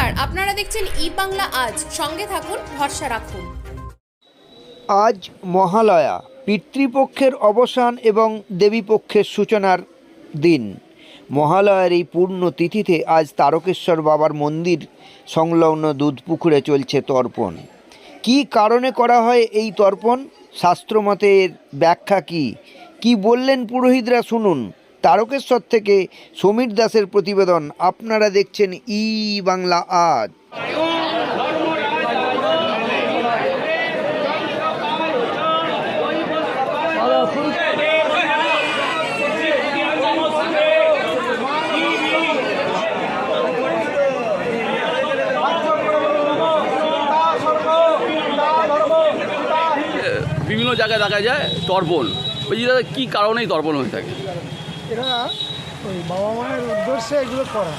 নমস্কার, আপনারা দেখছেন ই বাংলা আজ। সঙ্গে থাকুন, ভরসা রাখুন। আজ মহালয়া, পিতৃপক্ষের অবসান এবং দেবীপক্ষের সূচনার দিন। মহালয়ার এই পূর্ণ তিথিতে আজ তারকেশ্বর বাবার মন্দির সংলগ্ন দুধপুকুরে চলছে তর্পণ। কী কারণে করা হয় এই তর্পণ? শাস্ত্রমতের ব্যাখ্যা কি বললেন পুরোহিতরা শুনুন। তারকেশ্বর থেকে সমীর দাসের প্রতিবেদন। আপনারা দেখছেন ই বাংলা আজ। বিভিন্ন জায়গায় দেখা যায় তর্পণ। ওই যে কী কারণেই তর্পণ হয়ে থাকে? এরা ওই বাবা মায়ের উদ্দেশ্যে এগুলো করা।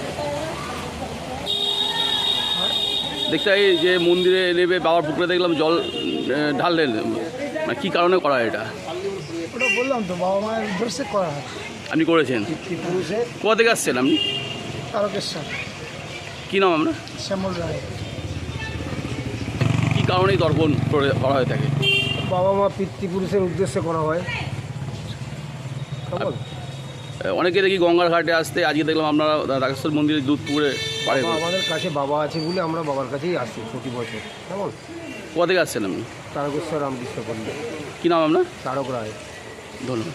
দেখতে হয় যে মন্দিরে নেবে, বাবার পুকুরে দেখলাম জল ঢাললেন, মানে কী কারণে করা হয় এটা? ওটা বললাম তো, বাবা মায়ের উদ্দেশ্যে করা হয়। আপনি করেছেন? পিতৃপুরুষে কোথা থেকে আসছেন আপনি? তারকেশ্বর। কী নাম আপনার? শ্যামল রায়। কী কারণেই তর্পণ করা হয়ে থাকে? বাবা মা পিতৃপুরুষের উদ্দেশ্যে করা হয়। অনেকে দেখি গঙ্গার ঘাটে আসতে, আজকে দেখলাম আপনারা তারকেশ্বর মন্দিরে দুধ পুকুরে পাড়ে। আমাদের কাছে বাবা আছে বলে আমরা বাবার কাছেই আসি প্রতি বছর। কেমন? কোথা থেকে আসছেন আপনি? তারকেশ্বর রামকৃষ্ণ পল্লী। কী নাম আপনার? তারক রায়। ধন্যবাদ।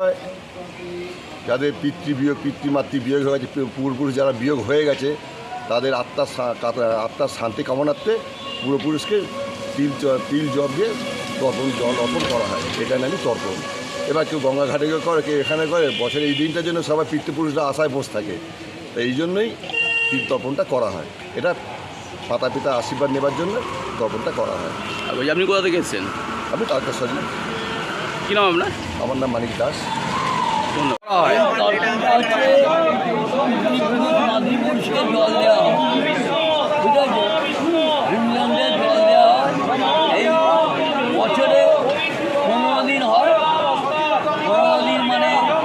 যাদের পিতৃমাতৃ বিয়োগ হয়ে গেছে, পূর্বপুরুষ যারা বিয়োগ হয়ে গেছে, তাদের আত্মার শান্তি কামনার্থে পূর্বপুরুষকে তিল জল দিয়ে জল অর্পণ করা হয়। এটা নামই তর্পণ। এবার কেউ গঙ্গা ঘাটে করে, কেউ এখানে করে। বছরে এই দিনটার জন্য সবাই পিতৃপুরুষরা আশায় বসে থাকে, তাই এই জন্যই তর্পণটা করা হয়। এটা মাতা পিতা আশীর্বাদ নেবার জন্য তর্পণটা করা হয়। আপনি কোথা থেকে এসেছেন? আমি তারকেশ্বরী। কী নাম আপনার? আমার নাম মানিক দাস। মাতৃপুরুষকে জল দেওয়া হয়, ঠিক আছে? হিন্দুদের জল দেওয়া হয়। এই বছরে 15 দিন হয়। 15 দিন মানে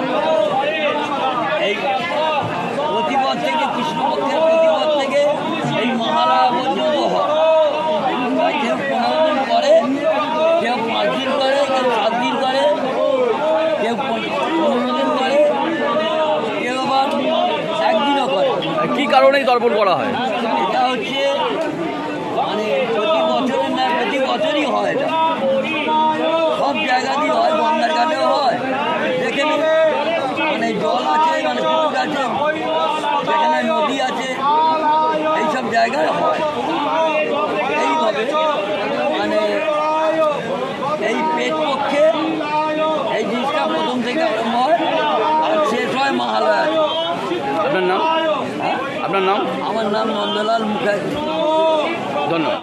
এই প্রতিপদ থেকে, কৃষ্ণপক্ষের প্রতিপদ থেকে এই মহালয়া পর্যন্ত হয়। কেউ 15 দিন করে, কেউ 5 দিন করে, কেউ 7 দিন করে, কেউ 15 দিন করে, কেউ আবার একদিনও করে। কী কারণেই তর্পণ করা হয়? এটা হচ্ছে মানে প্রতি বছরের না, প্রতি বছরই হয়। এটা সব জায়গাতেই হয়, গঙ্গার ঘাটেও হয়, যেখানে মানে জল আছে, মানে পুকুর আছে, যেখানে নদী আছে, এইসব জায়গায় হয়। এইভাবে মানে এই পেট পক্ষে এই জিনিসটা প্রথম থেকে আরম্ভ হয় আর শেষ হয় মহালয়া। আপনার নাম? আপনার নাম? আমার নাম নন্দলাল মুখার্জি। ধন্যবাদ।